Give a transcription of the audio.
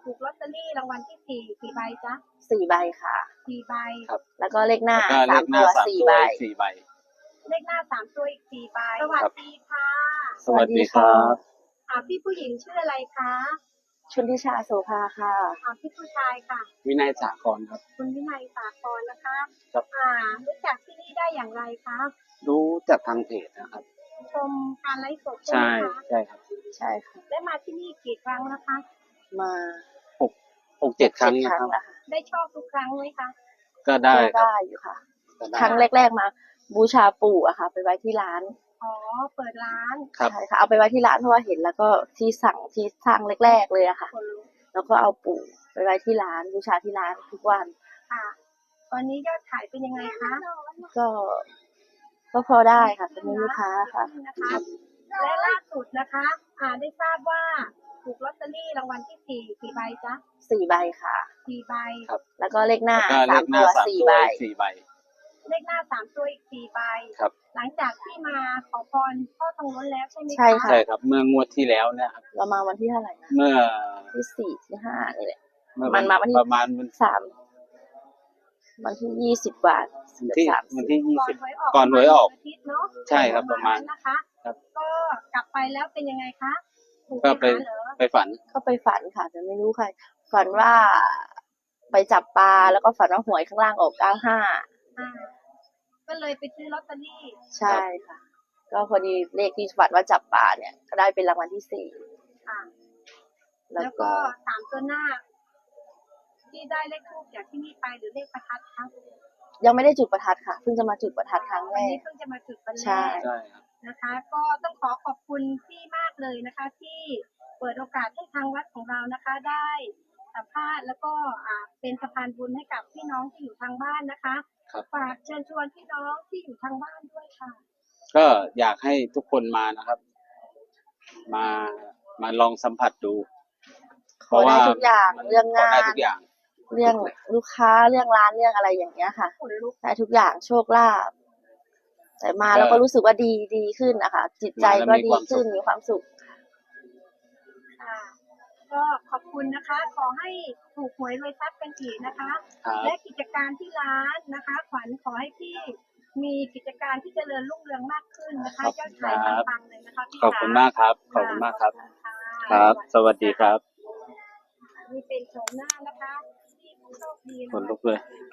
ถูกลอตเตอรี่รางวัลที่สี่กี่ใบจ๊ะ 4 ใบค่ะ 4 ใบครับแล้วก็เลขหน้าแล้วก็เลขหน้า 3 ตัว 3 4 ตัวใบอีก4 ใบเลขหน้า3 ตัวอีก4 ใบสวัสดีค่ะสวัสดีครับพี่ผู้หญิงชื่ออะไรคะชนทิชาโสภาค่ะพี่ผู้ชายค่ะวินัยสาครครับคุณวินัยสาครนะคะครับรู้จักที่นี่ได้อย่างไรคะรู้จากทางเพจนะครับชมการไลฟ์สดใช่ใช่ไหมคะใช่ครับใช่ค่ะได้มาที่นี่กี่ครั้งนะคะมา 6-7 ครั้งนะครับแล้วค่ะได้ชอบทุกครั้งไหมคะก็ได้ครับได้อยู่ค่ะครั้งแรกๆมาบูชาปู่อะค่ะ ไปไว้ที่ร้านเปิดร้านครับใช่ค่ะเอาไปไว้ที่ร้านเพราะว่าเห็นแล้วก็ที่สั่งที่สร้างแรกๆเลยอะค่ะแล้วก็เอาปู่ไปไว้ที่ร้านบูชาที่ร้านทุกวันค่ะตอนนี้ยอดขายเป็นยังไงคะก็พอได้ค่ะเป็นลูกค้าค่ะและล่าสุดนะคะได้ทราบว่าถูกลอตเตอรี่รางวัลที่สี่กี่ใบจ๊ะ 4 ใบค่ะ 4 ใบแล้วก็เลขหน้า3 ตัว 4 ใบเลขหน้า3 ตัวอีก4 ใบครับหลังจากที่มาขอพรพ่อทองล้นแล้วใช่ไหมคะใช่ค่ะใช่ครับเมื่องวดที่แล้วเนี่ยครับเรามาวันที่เท่าไหร่นะเมื่อที่4ที่5นี่แหละมันมาวันที่ประมาณวันที่20 บาทวันที่20ก่ก่อนหวยออกใช่ครับประมาณนะคะก็กลับไปแล้วเป็นยังไงคะก็ไปฝันก็ไปฝันค่ะแต่ไม่รู้ใครฝันว่าไปจับปลาแล้วก็ฝันว่าหวยข้างล่างออกก็เลยไปซื้อลอตเตอรี่ใช่ค่ะก็พอดีเลขที่ฝันว่าจับปลาเนี่ยก็ได้เป็นรางวัลที่4 ค่ะแล้วก็3 ตัวหน้าที่ได้เลขทูปจากที่นี่ไปหรือเลขประทัดคะยังไม่ได้จุดประทัดค่ะเพิ่งจะมาจุดประทัดครั้งแรกเพิ่งจะมาจุดวันแรกใช่นะคะก็ต้องขอบคุณพี่มากเลยนะคะที่เปิดโอกาสให้ทางวัดของเรานะคะได้สัมภาษณ์แล้วก็เป็นสะพานบุญให้กับพี่น้องที่อยู่ทางบ้านนะคะฝากเชิญชวนพี่น้องที่อยู่ทางบ้านด้วยค่ะก็อยากให้ทุกคนมานะครับมาลองสัมผัสดูเพราะว่าทุกอย่างเรื่องงานทุกอย่างเรื่องลูกค้าเรื่องร้านเรื่องอะไรอย่างเงี้ยค่ะได้ทุกอย่างโชคลาภแต่มาแล้วก็รู้สึกว่าดีขึ้นนะคะจิตใจก็ดีขึ้นมีความสุขก็ขอบคุณนะคะขอให้ถูกหวยรวยทรัพย์กันอีกนะคะและกิจการที่ร้านนะคะขวัญขอให้พี่มีกิจการที่เจริญรุ่งเรืองมากขึ้นนะคะยอดขายปังๆเลยนะคะพี่ขอบคุณมากครับขอบคุณมากครับครับสวัสดีครับนี่เป็นโฉมหน้านะคะที่ผู้โชคดีคนลุกเลย